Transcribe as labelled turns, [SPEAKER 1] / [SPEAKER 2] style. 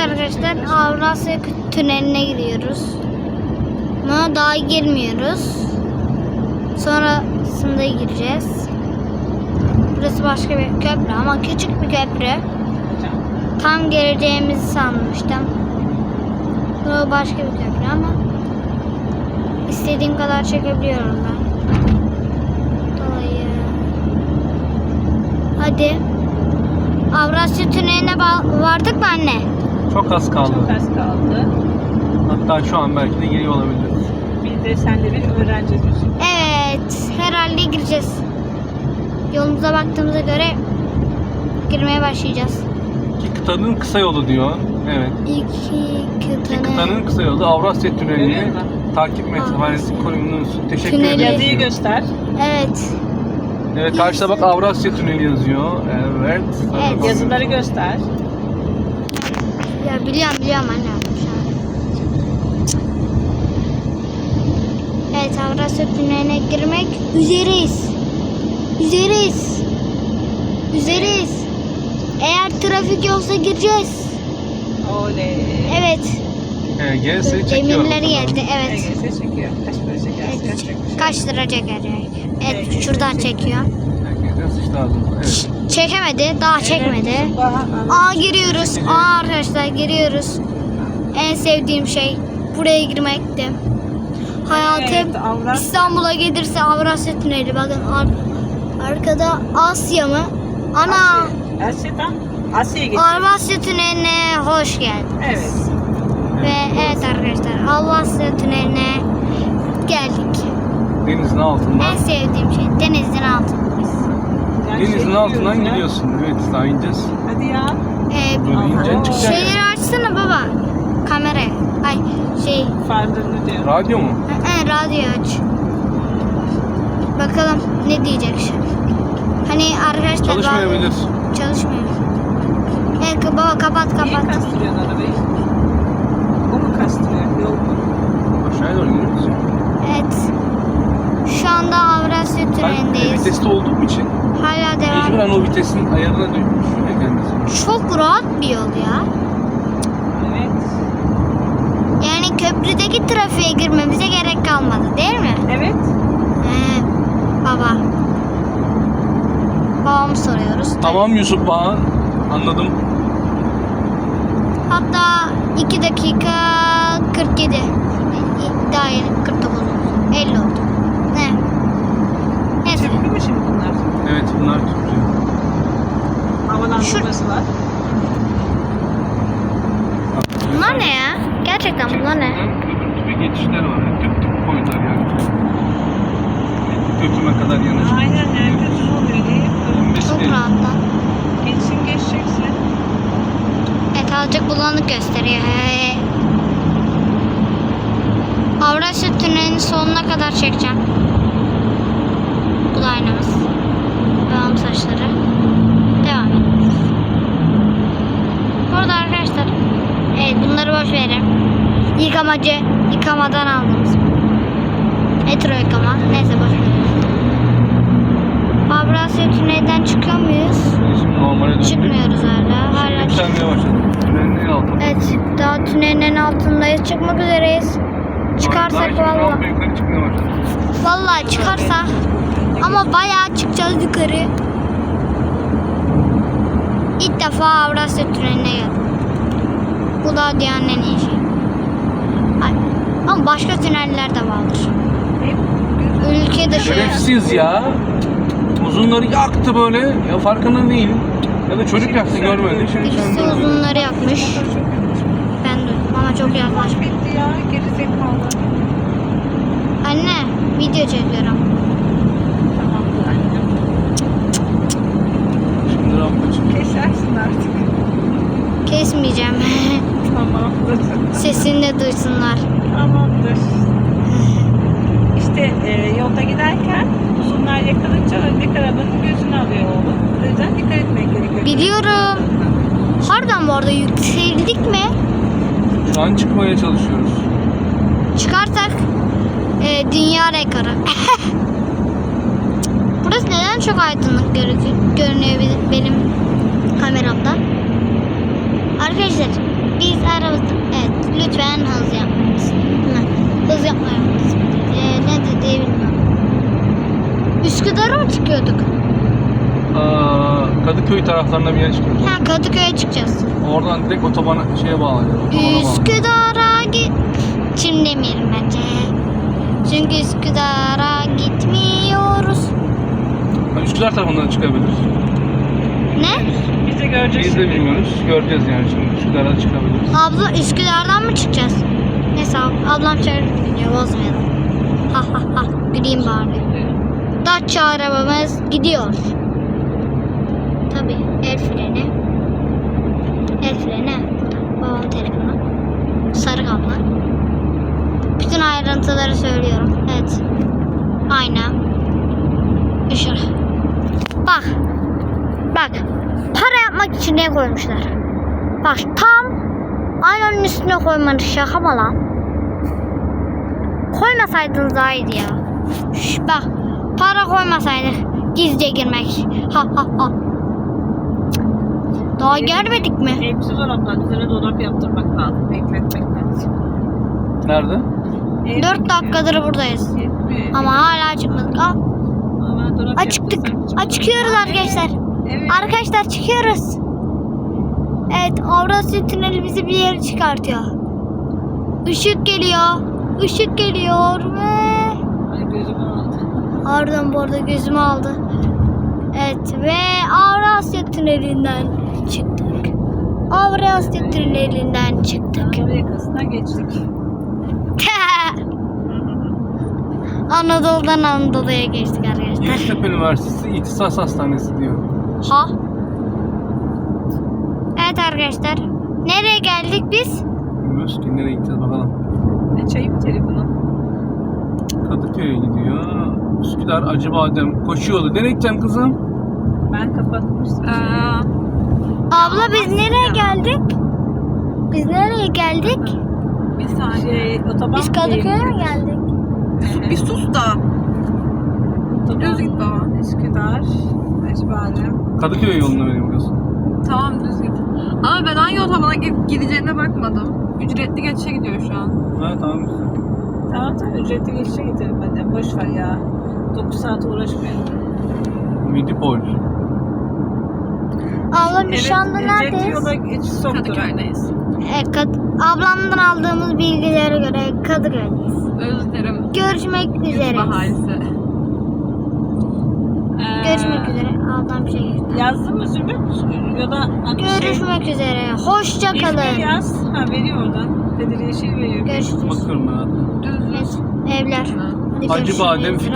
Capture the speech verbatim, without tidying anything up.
[SPEAKER 1] arkadaşlar Avrasya Tüneli'ne giriyoruz. Ama daha girmiyoruz. Sonrasında gireceğiz. Burası başka bir köprü ama küçük bir köprü. Tam geleceğimizi sanmıştım. Bu başka bir köprü ama istediğim kadar çekebiliyorum ben. Dolayı. Hadi. Avrasya Tüneli'ne vardık mı anne?
[SPEAKER 2] Çok az kaldı.
[SPEAKER 3] Çok az kaldı.
[SPEAKER 2] Hatta şu an belki de geliyor olabiliriz.
[SPEAKER 3] Bir de sen de bir öğreneceğiz.
[SPEAKER 1] Evet. Herhalde gireceğiz. Yolumuza baktığımıza göre girmeye başlayacağız.
[SPEAKER 2] İki kıtanın kısa yolu diyor. Evet.
[SPEAKER 1] İki
[SPEAKER 2] İki
[SPEAKER 1] kıtanın
[SPEAKER 2] kıtanın kısa yolu Avrasya Tüneli'ni
[SPEAKER 3] Görüyor musun?
[SPEAKER 2] takip mesafesi konumunuz. Teşekkür
[SPEAKER 1] Tüneli.
[SPEAKER 2] ederim.
[SPEAKER 3] Yazıyı göster.
[SPEAKER 1] Evet.
[SPEAKER 2] Evet, karşıda bak Avrasya Tüneli yazıyor. Evet.
[SPEAKER 1] Evet.
[SPEAKER 3] Yazıları göster.
[SPEAKER 1] Ya biliyorum biliyorum anne. Şu an. Evet, Avrasya Tüneli'ne girmek üzereyiz. Üzereyiz. Üzereyiz. Eğer trafik yoksa gireceğiz.
[SPEAKER 3] Oley.
[SPEAKER 1] Evet.
[SPEAKER 2] E G S çekiyor.
[SPEAKER 1] Demirleri geldi. Evet.
[SPEAKER 3] E G S çekiyor. Kaç para çeker?
[SPEAKER 1] Evet.
[SPEAKER 3] Kaç çekmiş?
[SPEAKER 1] Kaç lira çekecek? Evet,
[SPEAKER 3] E G S
[SPEAKER 1] şuradan
[SPEAKER 3] çekiyor.
[SPEAKER 1] çekiyor.
[SPEAKER 2] Herkese sıçtı ağzımıza. Evet.
[SPEAKER 1] Çekemedi, daha çekmedi.
[SPEAKER 3] Evet, daha-
[SPEAKER 1] Aa, giriyoruz. Aa, arkadaşlar giriyoruz. En sevdiğim şey buraya girmekti. Hayatım
[SPEAKER 3] Evet, Avrasya.
[SPEAKER 1] İstanbul'a gelirse Avrasya Tüneli. Bakın ar- arkada Asya mı? Ana,
[SPEAKER 3] Asya. Asya'dan Asya'ya geçiyor.
[SPEAKER 1] Avrasya Tüneli'ne hoş geldin.
[SPEAKER 3] Evet.
[SPEAKER 1] Ve evet arkadaşlar, Avrasya Tüneli'ne geldik.
[SPEAKER 2] Denizin altından.
[SPEAKER 1] En sevdiğim şey denizin altındayız.
[SPEAKER 3] Yani
[SPEAKER 2] Denizin
[SPEAKER 3] şey
[SPEAKER 2] altından
[SPEAKER 3] gidiyoruz ya.
[SPEAKER 2] gidiyorsun. Evet, daha ineceğiz.
[SPEAKER 3] Hadi ya.
[SPEAKER 1] Ee,
[SPEAKER 2] Böyle
[SPEAKER 3] Aha.
[SPEAKER 2] ineceksin çıkacaksın.
[SPEAKER 1] şeyleri açsana baba. Kamerayı. Ay şey.
[SPEAKER 3] Farlarını diyor.
[SPEAKER 2] Radyo mu?
[SPEAKER 1] Ee, radyo aç. Bakalım ne diyecek şimdi. Hani arkadaşlar
[SPEAKER 2] Çalışmayabilir.
[SPEAKER 1] bazı- Çalışmıyor. Evet baba, kapat
[SPEAKER 3] Niye
[SPEAKER 1] kapat.
[SPEAKER 3] kastırıyorsun arabayı? O mu kastırıyor? Yol mu?
[SPEAKER 2] Aşağıya doğru gidiyoruz.
[SPEAKER 1] Evet. Şu anda Avrasya
[SPEAKER 2] Ben e,
[SPEAKER 1] Tüneli'ndeyiz.
[SPEAKER 2] viteste olduğum için
[SPEAKER 1] Hala devam.
[SPEAKER 2] mecburen o vitesin ayarına düşüyor kendisi.
[SPEAKER 1] Çok rahat bir yol ya.
[SPEAKER 3] Evet.
[SPEAKER 1] Yani köprüdeki trafiğe girmemize gerek kalmadı değil mi?
[SPEAKER 3] Evet.
[SPEAKER 1] Ee, baba. Babamı soruyoruz.
[SPEAKER 2] Tamam Yusuf Bağ. Anladım.
[SPEAKER 1] Hatta iki dakika kırk yedi. Daha yeni kırk dokuz oldu. elli oldu. Ne? Neyse.
[SPEAKER 3] Çekiyor mu şimdi bunlar?
[SPEAKER 2] Evet, bunlar tutuyor.
[SPEAKER 3] Havalandırması var.
[SPEAKER 1] Bunlar ne ya? Gerçekten bunlar ne?
[SPEAKER 2] Öbür gibi geçişler var. Yani tüp tüp koydular yani. Götüme kadar yanacak.
[SPEAKER 3] Aynen. Herkes oluyor değil mi?
[SPEAKER 1] Çok rahat lan.
[SPEAKER 3] Geçsin geçeceksin.
[SPEAKER 1] Evet, azıcık bulanık gösteriyor. He. Avrasya Tüneli'nin sonuna kadar çekeceğim. Bu da aynamız. Devam saçları. Devam ediyoruz. Burada arkadaşlar, evet, bunları boş verelim. Yıkamacı, yıkamadan aldığımız. Metro yıkama. Neyse, boş verelim. Avrasya Tüneli'den çıkıyor muyuz?
[SPEAKER 2] Şimdi normale döndük.
[SPEAKER 1] Çıkmıyoruz hala. Hala
[SPEAKER 2] Yükselmeye başladı. Tünelin en altında.
[SPEAKER 1] Evet, daha tünelin en altındayız. Çıkmak üzereyiz. Çıkarsak
[SPEAKER 2] Daha
[SPEAKER 1] vallahi.
[SPEAKER 2] rampa yukarı çıkmaya başladı.
[SPEAKER 1] Vallahi çıkarsak. Ama bayağı çıkacağız yukarı. İlk defa Avrasya Tüneli'ne geldim. Bu da dünyanın en iyi şeyi. Ay, ama başka tüneller de vardır. Ülke dışı.
[SPEAKER 2] Şerefsiz ya. Uzunları yaktı böyle. Ya farkında değil. Ya da çocuk yaktı görmedi. Şimdi sen
[SPEAKER 1] Birisi
[SPEAKER 2] de
[SPEAKER 1] uzunları yakmış. Ben duydum ama çok
[SPEAKER 3] Maç
[SPEAKER 1] yaklaşmış.
[SPEAKER 3] bitti ya. Gerizekalı.
[SPEAKER 1] Anne, video çekiyorum.
[SPEAKER 3] Tamam annem.
[SPEAKER 2] Şimdi rampa çıkıyor.
[SPEAKER 3] Kesersin artık.
[SPEAKER 1] Kesmeyeceğim.
[SPEAKER 3] Tamamdır.
[SPEAKER 1] Sesini de duysunlar.
[SPEAKER 3] Tamamdır. İşte e, yolda giderken uzunlar yakılınca öndeki arabanın gözünü alıyor oğlum. O yüzden dikkat etmek gerekiyor.
[SPEAKER 1] Biliyorum. Harbiden bu arada yükseldik mi?
[SPEAKER 2] Şu an çıkmaya çalışıyoruz.
[SPEAKER 1] Çıkarsak e, dünya rekoru. Burası neden çok aydınlık görü- görünüyor benim- benim kameramda? Arkadaşlar, Biz arabada... Evet, lütfen hız yapmayız. Hı, hız yapmayız. Ee, ne dediği bilmiyorum. Üsküdar'a mı çıkıyorduk?
[SPEAKER 2] Aa, Kadıköy taraflarına bir yere çıkıyoruz.
[SPEAKER 1] Ha, Kadıköy'e çıkacağız.
[SPEAKER 2] Oradan direkt otobana şeye bağlanıyor. Otobana bağlanıyor.
[SPEAKER 1] Üsküdar'a git... Şimdi demeyelim bence. Çünkü Üsküdar'a gitmiyoruz.
[SPEAKER 2] Ha, Üsküdar tarafından çıkabiliriz.
[SPEAKER 1] Ne?
[SPEAKER 3] Biz de göreceğiz.
[SPEAKER 2] Biz de bilmiyoruz. Göreceğiz yani şimdi. Üsküdar'a çıkabiliriz.
[SPEAKER 1] Abla Üsküdar'dan mı çıkacağız? Neyse ab- ablam çağırdı gidiyor, bozmayalım. Ha ha ha, güleyim bari. Dacia arabamız gidiyor. Tabii el freni. El freni. Babamın telefonu. Sarı kablo. Bütün ayrıntıları söylüyorum. Evet. Ayna. Işık. Bak. Bak. Para yapmak için ne koymuşlar? Bak tam aynanın üstüne koymanız şaka mı lan? Koymasaydınız daha iyiydi ya. Şş, bak para koymasaydık gizlice girmek. Ha ha ha. Daha görmedik mi?
[SPEAKER 3] Hepsi dolaplar. Üzerine dolap yaptırmak lazım. Bekletmek lazım.
[SPEAKER 2] Nerede?
[SPEAKER 1] Dört dakikadır buradayız. Ama hala çıkmadık. Aa,
[SPEAKER 3] Ama dolap
[SPEAKER 1] aa, çıktık.
[SPEAKER 3] yaptırsam-
[SPEAKER 1] Aa, çıkıyoruz arkadaşlar.
[SPEAKER 3] Evet.
[SPEAKER 1] Arkadaşlar çıkıyoruz. Evet, Avrasya Tüneli bizi bir yere çıkartıyor. Işık geliyor. Işık geliyor ve...
[SPEAKER 3] Ay gözüm aldı.
[SPEAKER 1] Ardından bu arada gözümü aldı. Evet ve Avrasya Tüneli'nden çıktık. Avrasya Tüneli'nden çıktık.
[SPEAKER 3] Anadolu yakasından geçtik.
[SPEAKER 1] Anadolu'dan Anadolu'ya geçtik arkadaşlar.
[SPEAKER 2] Yeditepe Üniversitesi İhtisas Hastanesi diyor.
[SPEAKER 1] Ha? Evet arkadaşlar. Nereye geldik biz?
[SPEAKER 2] Bilmiyoruz ki nereye gideceğiz bakalım.
[SPEAKER 3] Açayım telefonu.
[SPEAKER 2] Kadıköy'e gidiyor. Üsküdar, Acıbadem, Koşuyolu. Nereye gideceğim kızım?
[SPEAKER 3] Ben kapatmıştım.
[SPEAKER 1] Abla biz nereye geldik? Biz nereye geldik?
[SPEAKER 3] Bir saniye. Şey, otoban
[SPEAKER 1] Biz Kadıköy'e mi geldik?
[SPEAKER 3] Evet.
[SPEAKER 4] Bir sus da.
[SPEAKER 3] Otoban.
[SPEAKER 4] Düz git baba.
[SPEAKER 3] Üsküdar. Acıbadem.
[SPEAKER 2] Kadıköy yoluna veriyor burası.
[SPEAKER 4] Tamam düz git. Ama ben hangi otobana gi- gideceğine bakmadım. Ücretli geçişe gidiyor şu an.
[SPEAKER 2] Ha tamam güzel.
[SPEAKER 3] Tamam tamam ücretli geçişe gidelim hadi. Boş ver ya. dokuz saat uğraşmayalım.
[SPEAKER 2] Midipol.
[SPEAKER 1] Abla biz şu anda
[SPEAKER 3] ücretli
[SPEAKER 1] neredeyiz?
[SPEAKER 3] yola geçiş soktu.
[SPEAKER 4] Kadıköy'deyiz.
[SPEAKER 1] E, Kad- ablamdan aldığımız bilgilere göre Kadıköy'deyiz.
[SPEAKER 4] Özlerim.
[SPEAKER 1] Görüşmek üzere.
[SPEAKER 4] Bahalisi.
[SPEAKER 3] Ee,
[SPEAKER 1] Görüşmek üzere. Ablam bir şey gösterdi.
[SPEAKER 3] Yazdın mı Zümrüt? Ya da hani şey,
[SPEAKER 1] Görüşmek üzere. Hoşça
[SPEAKER 3] İzmir
[SPEAKER 1] kalın.
[SPEAKER 3] yaz. Ha veriyor oradan. Bedir Yeşil veriyor.
[SPEAKER 1] Görüşürüz.
[SPEAKER 2] Bakıyorum ben hatta.
[SPEAKER 4] Düz düz.
[SPEAKER 1] Evet, evler. Hadi görüşürüz.
[SPEAKER 2] Acıbadem,